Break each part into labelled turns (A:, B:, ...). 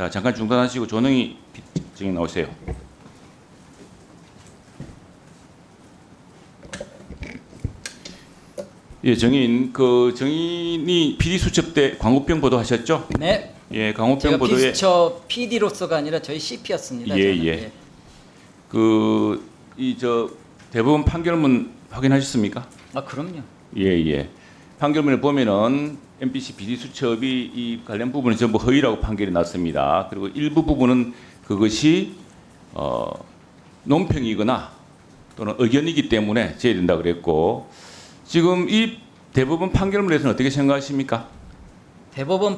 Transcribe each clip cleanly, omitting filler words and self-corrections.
A: 자, 잠깐 중단하시고 조능희 증인 나오세요. 예, 증인 증인이 PD 수첩 때 광우병 보도하셨죠?
B: 네.
A: 예, 광우병
B: 제가
A: 보도에
B: 비수첩 PD로서가 아니라 저희 CP였습니다.
A: 예, 예. 대법원 판결문 확인하셨습니까?
B: 아 그럼요.
A: 예, 예. 판결문을 보면은 MBC PD 수첩이 이 관련 부분은 전부 허위라고 판결이 났습니다. 그리고 일부 부분은 그것이 논평이거나 또는 의견이기 때문에 제외된다 그랬고, 지금 이 대법원 판결문에서는 어떻게 생각하십니까?
B: 대법원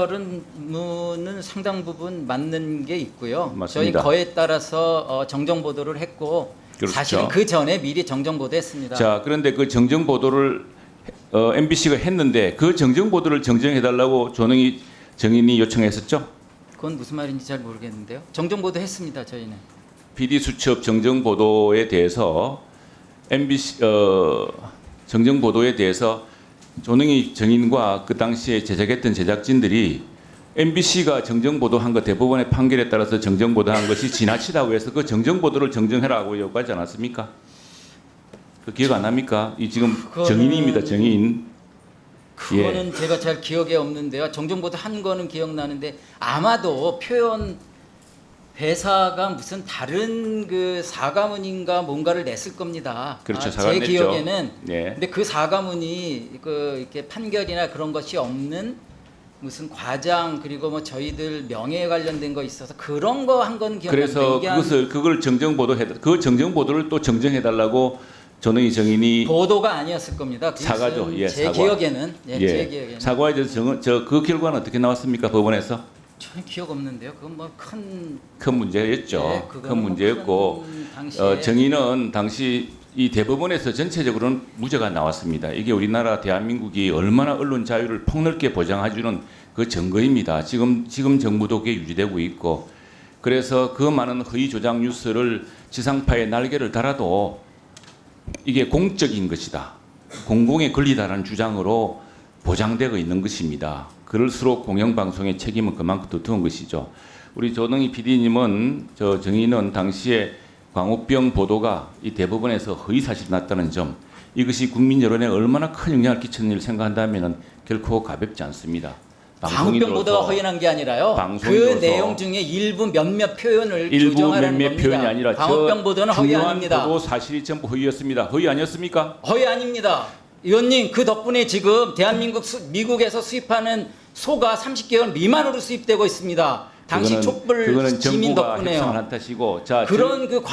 B: 판결은 상당 부분 맞는 게 있고요.
A: 맞습니다.
B: 저희 거에 따라서 정정 보도를 했고
A: 그렇죠.
B: 사실은 그 전에 미리 정정 보도했습니다.
A: 자, 그런데 그 정정 보도를 MBC가 했는데 그 정정 보도를 정정해달라고 조능희 증인이 요청했었죠?
B: 그건 무슨 말인지 잘 모르겠는데요. 정정 보도 했습니다. 저희는.
A: PD 수첩 정정 보도에 대해서 MBC 정정 보도에 대해서 조능희 증인과 그 당시에 제작했던 제작진들이 MBC가 정정 보도한 것 대법원의 판결에 따라서 정정 보도한 것이 지나치다고 해서 그 정정 보도를 정정해라고 요구하지 않았습니까? 그 기억 안 납니까? 이 지금 증인입니다, 증인.
B: 그거는 제가 잘 기억에 없는데요. 정정 보도 한 거는 기억나는데 아마도 표현 배사가 무슨 다른 그 사과문인가 뭔가를 냈을 겁니다.
A: 그렇죠,
B: 제
A: 사과를 냈죠.
B: 기억에는.
A: 예.
B: 근데 그 사과문이 이렇게 판결이나 그런 것이 없는 무슨 과장 그리고 뭐 저희들 명예에 관련된 거 있어서 그런 거 한 건 기억나는데
A: 그래서
B: 이게
A: 그걸 정정 보도해 그 정정 보도를 또 정정해 달라고 조능희 증인이
B: 보도가 아니었을 겁니다.
A: 사과죠. 예,
B: 제
A: 사과.
B: 기억에는
A: 예,
B: 제 기억에는
A: 사과에 대해서 그 결과는 어떻게 나왔습니까? 법원에서
B: 전혀 기억 없는데요. 그건 뭐
A: 큰 문제였죠.
B: 네,
A: 큰
B: 그거는 뭐
A: 문제였고
B: 큰 당시에
A: 증인은 당시 이 대법원에서 전체적으로는 무죄가 나왔습니다. 이게 우리나라 대한민국이 얼마나 언론 자유를 폭넓게 보장해주는 그 증거입니다. 지금 정부도 그게 유지되고 있고, 그래서 그 많은 허위 조작 뉴스를 지상파에 날개를 달아도 이게 공적인 것이다, 공공의 권리다라는 주장으로 보장되고 있는 것입니다. 그럴수록 공영방송의 책임은 그만큼 두터운 것이죠. 우리 조능희 PD님은 증인은 당시에 광우병 보도가 이 대법원에서 허위 사실이 났다는 점, 이것이 국민 여론에 얼마나 큰 영향을 끼쳤는지를 생각한다면 결코 가볍지 않습니다.
B: 광우병 보도가 허위난 게 아니라요. 그 내용 중에 일부 몇몇 표현을 조정하라는
A: 몇몇
B: 겁니다.
A: 표현이 아니라
B: 광우병 보도는 허위
A: 중요한
B: 아닙니다.
A: 보도 사실이 전부 허위였습니다. 허위 아니었습니까?
B: 허위 아닙니다. 의원님 그 덕분에 지금 대한민국 미국에서 수입하는 소가 30개월 미만으로 수입되고 있습니다. 당시 촛불
A: 그거는
B: 시민
A: 정부가 협상을
B: 덕분에요.
A: 한 탓이고, 자,
B: 그런 그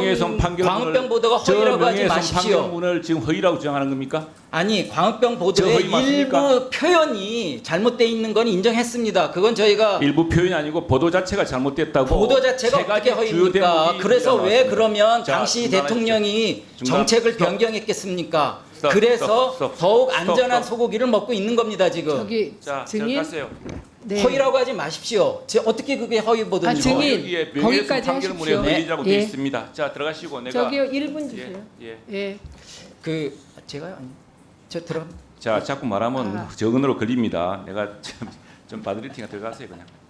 B: 광우병 보도가 허위라고 하지 마십시오.
A: 판결문을 지금 허위라고 주장하는 겁니까?
B: 아니 광우병 보도의
A: 허위 맞습니까?
B: 일부 표현이 잘못되어 있는 건 인정했습니다. 그건 저희가
A: 일부 표현이 아니고 보도 자체가 잘못됐다고.
B: 보도 자체가
A: 세 가지
B: 어떻게
A: 주요
B: 허위입니까?
A: 대목이
B: 그래서 왜
A: 나왔습니다.
B: 그러면
A: 자,
B: 당시
A: 중단하십시오.
B: 대통령이
A: 중단.
B: 정책을
A: 스톱.
B: 변경했겠습니까?
A: 스톱.
B: 그래서
A: 스톱.
B: 더욱
A: 스톱.
B: 안전한
A: 스톱.
B: 소고기를 먹고 있는 겁니다 지금.
C: 저기
A: 자,
C: 증인
A: 가세요.
C: 네.
B: 허위라고 하지 마십시오. 어떻게 그게 허위 보도인지.
C: 증인,
A: 여기에 명예훼손
C: 거기까지
A: 판결문에
C: 하십시오.
A: 허위라고
C: 네.
A: 되어
C: 예.
A: 있습니다. 자, 들어가시고 내가
C: 저기요 1분 주세요.
A: 예.
C: 예.
B: 그 제가요? 아니. 저 들어.
A: 자, 자꾸 말하면 정언으로 걸립니다. 내가 좀 바드리팅가 들어가세요 그냥.